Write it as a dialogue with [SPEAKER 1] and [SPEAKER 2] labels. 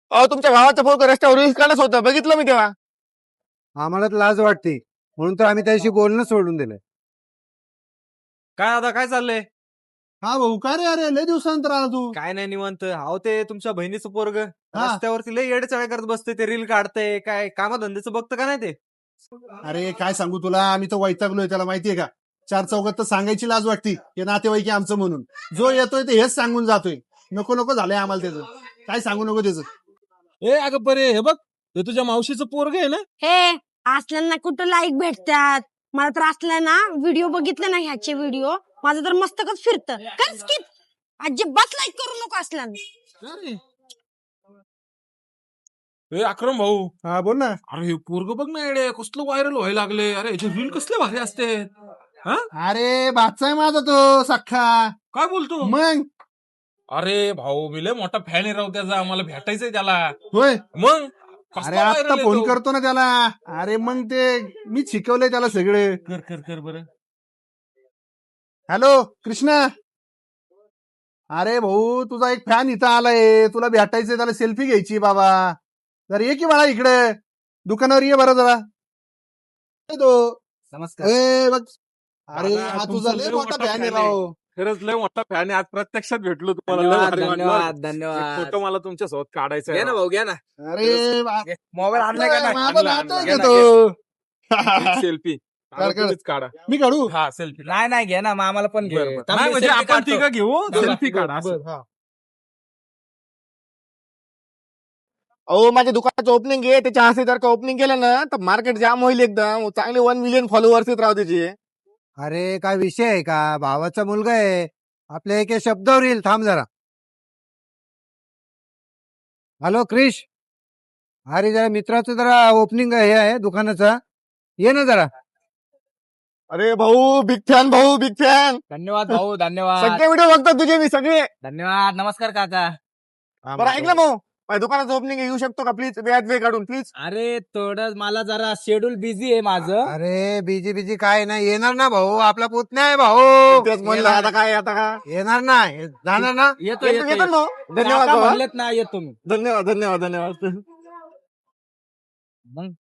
[SPEAKER 1] अहो तुमच्या गावाचा फोटो रस्त्यावर रील्स काढत होतं, बघितलं मी तेव्हा.
[SPEAKER 2] आम्हाला तर लाज वाटते म्हणून तर आम्ही त्याशी बोलणं सोडून दिलंय.
[SPEAKER 3] काय आता काय चाललंय?
[SPEAKER 4] हा भाऊ काय रे, अरे लय दिवसानंतर आला तू.
[SPEAKER 3] काय नाही निवांत. अहो ते तुमच्या बहिणीचं पोरग रस्त्यावरती लय येडचाळ करत बसते, ते रील काढतंय, काय कामाधंद्याचं बघतं का नाही ते?
[SPEAKER 4] अरे काय सांगू तुला, आम्ही तर वैतागलोय त्याला, माहितीये का. चार चौकात तर सांगायची लाज वाटती हे नातेवाईक आहे आमचं म्हणून. जो येतोय ते हेच सांगून जातोय. नको नको झालंय आम्हाला त्याचं, काय सांगू नको त्याचं.
[SPEAKER 5] ए अगं बरे, हे बघ ते तुझ्या मावशीचं पोरग आहे ना.
[SPEAKER 6] हे असल्यांना कुठं लाईक भेटतात. मला तर असल्या ना व्हिडिओ बघितले ना ह्याचे व्हिडिओ, माझं तर मस्तकच फिरतं. कर स्किप, अजिबात लाईक करू नको असल्यानं.
[SPEAKER 5] अरे ए अक्रम भाऊ,
[SPEAKER 4] हा बोल ना.
[SPEAKER 5] अरे हे पोरग बघ ना येडे, कसलं व्हायरल व्हायला लागले. अरे याचे रील कसले भारी असते. हा
[SPEAKER 4] अरे बादचा आहे माझा तो सख्खा.
[SPEAKER 5] काय बोलतो?
[SPEAKER 4] मग
[SPEAKER 5] अरे भाऊ, मी लय मोठा फॅन आहे राव त्याचा, मला भेटायचंय त्याला.
[SPEAKER 4] होय.
[SPEAKER 5] मग
[SPEAKER 4] अरे
[SPEAKER 5] कसला
[SPEAKER 4] आता
[SPEAKER 5] viral आहे
[SPEAKER 4] फोन
[SPEAKER 5] तो?
[SPEAKER 4] करतो ना त्याला. अरे मग ते मी शिकवलंय त्याला सगळे.
[SPEAKER 5] कर कर कर बरं.
[SPEAKER 4] हॅलो कृष्णा. अरे भाऊ तुझा एक फॅन इथं आलाय, तुला भेटायचंय, त्याला सेल्फी घ्यायची बाबा. जरा ये की बाळा इकडे दुकानावर, ये बरं जरा. ये तो
[SPEAKER 3] नमस्कार.
[SPEAKER 4] ए बघ. अरे
[SPEAKER 5] दादा,
[SPEAKER 4] हा
[SPEAKER 5] तुमचा
[SPEAKER 4] तुझा लय
[SPEAKER 5] लय
[SPEAKER 4] मोठा
[SPEAKER 5] मोठा
[SPEAKER 4] फॅन आहे
[SPEAKER 5] fan आहे.
[SPEAKER 4] राव.
[SPEAKER 5] खरंच लय मोठा फॅन आहे, आज प्रत्यक्षात भेटलो तुम्हाला. लय भारी वाटलं.
[SPEAKER 3] धन्यवाद.
[SPEAKER 5] फोटो मला तुमच्या सोबत काढायचा
[SPEAKER 3] घ्या ना भाऊ, घ्या ना.
[SPEAKER 4] अरे
[SPEAKER 3] मोबाईल आणलाय का नाही?
[SPEAKER 4] माझा
[SPEAKER 5] आणला,
[SPEAKER 4] नातू आहे
[SPEAKER 5] आणला.
[SPEAKER 4] का तो?
[SPEAKER 5] सेल्फी
[SPEAKER 4] काढ, काढ.
[SPEAKER 5] काढा.
[SPEAKER 4] मी काढू.
[SPEAKER 5] हा सेल्फी.
[SPEAKER 3] नाही नाही, घ्या ना, मग आम्हाला पण घे.
[SPEAKER 5] नाही म्हणजे आपण तिघं घेऊ, सेल्फी काढा असं.
[SPEAKER 4] बरं, हा.
[SPEAKER 1] अहो माझ्या दुकानाचं ओपनिंग आहे, त्याच्या हस्ते जर का ओपनिंग केलं ना तर मार्केट जाम होईल एकदम. चांगले 1 मिलियन फॉलोअर्स आहेत राव त्याचे.
[SPEAKER 2] अरे काय विषय आहे का, भावाचा मुलगा आहे, आपल्या एका शब्दावर येईल. थांब जरा. हॅलो क्रिश, अरे जरा मित्राचं जरा ओपनिंग हे आहे दुकानाचा, ये ना जरा.
[SPEAKER 1] अरे भाऊ बिग फॅन, भाऊ बिग फॅन.
[SPEAKER 3] धन्यवाद भाऊ, धन्यवाद.
[SPEAKER 1] सगळे व्हिडिओ बघतात तुझे मी सगळे.
[SPEAKER 3] धन्यवाद. नमस्कार काका.
[SPEAKER 1] बरं ऐकलं भाऊ, माझ्या दुकानाचं ओपनिंग येऊ शकतो का प्लीज, वेळ काढून प्लीज.
[SPEAKER 3] अरे थोडं मला जरा शेड्यूल बिझी आहे माझं.
[SPEAKER 2] अरे बिजी बिजी काय नाही, येणार ना भाऊ, आपला पुतण्या आहे भाऊ.
[SPEAKER 1] तेच म्हणलं, आता काय आता का.
[SPEAKER 2] येणार ना, जाणार ना.
[SPEAKER 3] येतो
[SPEAKER 1] येतो
[SPEAKER 3] येतो.
[SPEAKER 1] ना भाऊ. धन्यवाद
[SPEAKER 3] काका
[SPEAKER 1] भाऊ.
[SPEAKER 3] म्हणलेत ना, येतो मी.
[SPEAKER 1] धन्यवाद धन्यवाद धन्यवाद.
[SPEAKER 3] मग